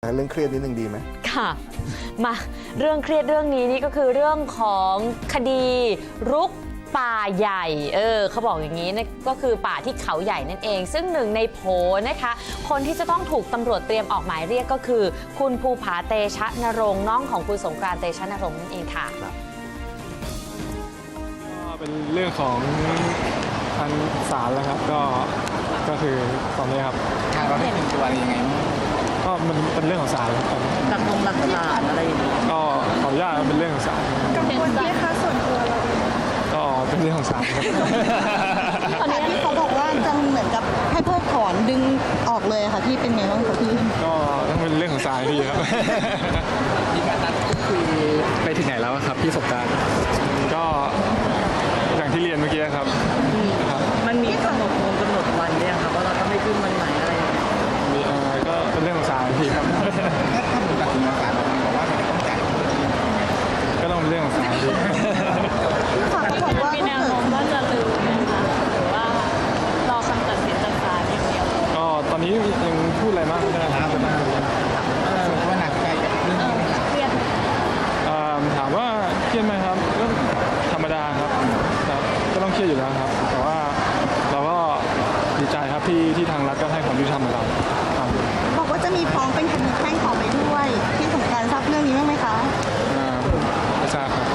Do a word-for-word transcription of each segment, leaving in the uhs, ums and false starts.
เรื่องเครียดนิดนึงดีไหมค่ะมาเรื่องเครียดเรื่องนี้นี่ก็คือเรื่องของคดีรุกป่าใหญ่เออเขาบอกอย่างนี้นะก็คือป่าที่เขาใหญ่นั่นเองซึ่งหนึ่งในโผนะคะคนที่จะต้องถูกตำรวจเตรียมออกหมายเรียกก็คือคุณภูผาเตชะนรงค์น้องของคุณสงกรานต์เตชะนรงค์นั่นเองค่ะเป็นเรื่องของทางศาลแล้วครับก็ก็คือตอนนี้ครับทางเราได้เป็นตัวอะไรยังไงก็มันเป็นเรื่องของศาลครับหลักลงหลักฐานอะไรอย่างนี้ก็ขออนุญาตเป็นเรื่องของศาลกังวลไหมคะส่วนตัวเราก็เป็นเรื่องของศาลครับตอนนี้ที่เขาบอกว่าจะเหมือนกับให้เพิกถอนดึงออกเลยค่ะพี่เป็นไงบ้างคะพี่ก็ต้องเป็นเรื่องของศาลพี่ครับมีการนัดคุยไปถึงไหนแล้วครับพี่สงกรานต์ก็อย่างที่เรียนเมื่อกี้ครับมันมีกำหนดวงกำหนดวันเนี่ยครับว่าเราต้องไม่ขึ้นวันไหนอะไรอย่างเงี้ยมีเออก็เป็นเรื่องของศาลพี่ครับถ้าผมตัดสินศาลบอกว่ามันต้องจ่ายก็ต้องเป็นเรื่องของศาลพี่มีแนวโน้มว่าจะลืมไหมคะหรือว่ารอคำตัดสินจากศาลอย่างเดียวก็ตอนนี้ยังพูดอะไรมากไม่ได้ครับว่าหนักใจกับเรื่องนี้เครียดถามว่าเครียดไหมครับก็ธรรมดาครับก็ต้องเครียดอยู่แล้วครับแต่ว่าเราก็ดีใจครับที่ที่ทางรัฐก็ให้ความยุติธรรมกับเราบอกว่าจะมีฟ้องเป็นคดีแพ่งต่อไปด้วยที่สงกรานต์ทราบเรื่องนี้บ้างไหมคะไม่ทราบครับ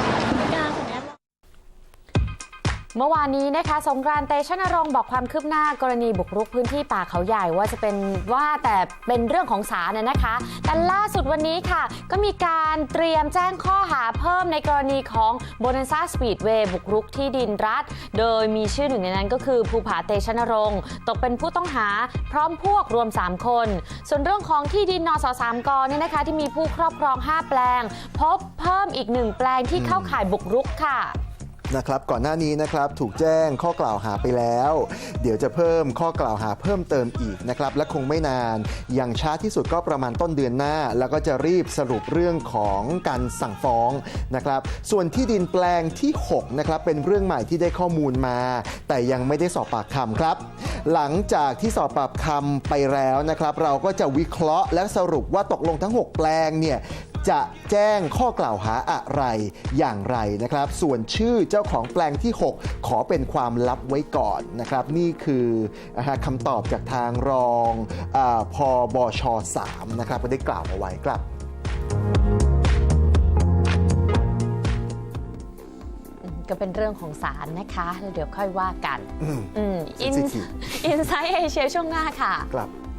เมื่อวานนี้นะคะสงกรานต์เตชะนรงค์บอกความคืบหน้ากรณีบุกรุกพื้นที่ป่าเขาใหญ่ว่าจะเป็นว่าแต่เป็นเรื่องของศาลน่ะนะคะแต่ล่าสุดวันนี้ค่ะก็มีการเตรียมแจ้งข้อหาเพิ่มในกรณีของโบนันซ่าสปีดเวย์บุกรุกที่ดินรัฐโดยมีชื่อหนึ่งในนั้นก็คือภูผาเตชะนรงค์ตกเป็นผู้ต้องหาพร้อมพวกรวมสามคนส่วนเรื่องของที่ดินนสสามกเนี่ยนะคะที่มีผู้ครอบครองห้าแปลงพบเพิ่มอีกหนึ่งแปลงที่เข้าข่ายบุกรุกค่ะนะครับก่อนหน้านี้นะครับถูกแจ้งข้อกล่าวหาไปแล้วเดี๋ยวจะเพิ่มข้อกล่าวหาเพิ่มเติมอีกนะครับและคงไม่นานอย่างช้าที่สุดก็ประมาณต้นเดือนหน้าแล้วก็จะรีบสรุปเรื่องของการสั่งฟ้องนะครับส่วนที่ดินแปลงที่หกนะครับเป็นเรื่องใหม่ที่ได้ข้อมูลมาแต่ยังไม่ได้สอบปากคำครับหลังจากที่สอบปากคำไปแล้วนะครับเราก็จะวิเคราะห์และสรุปว่าตกลงทั้งหกแปลงเนี่ยจะแจ้งข้อกล่าวหาอะไรอย่างไรนะครับส่วนชื่อเจ้าของแปลงที่หกขอเป็นความลับไว้ก่อนนะครับนี่คือคำตอบจากทางรองพบชสามนะครับก็ได้กล่าวเอาไว้ครับก็เป็นเรื่องของศาลนะคะแล้วเดี๋ยวค่อยว่ากันอินไซต์เอเชียช่วงหน้าค่ะครับ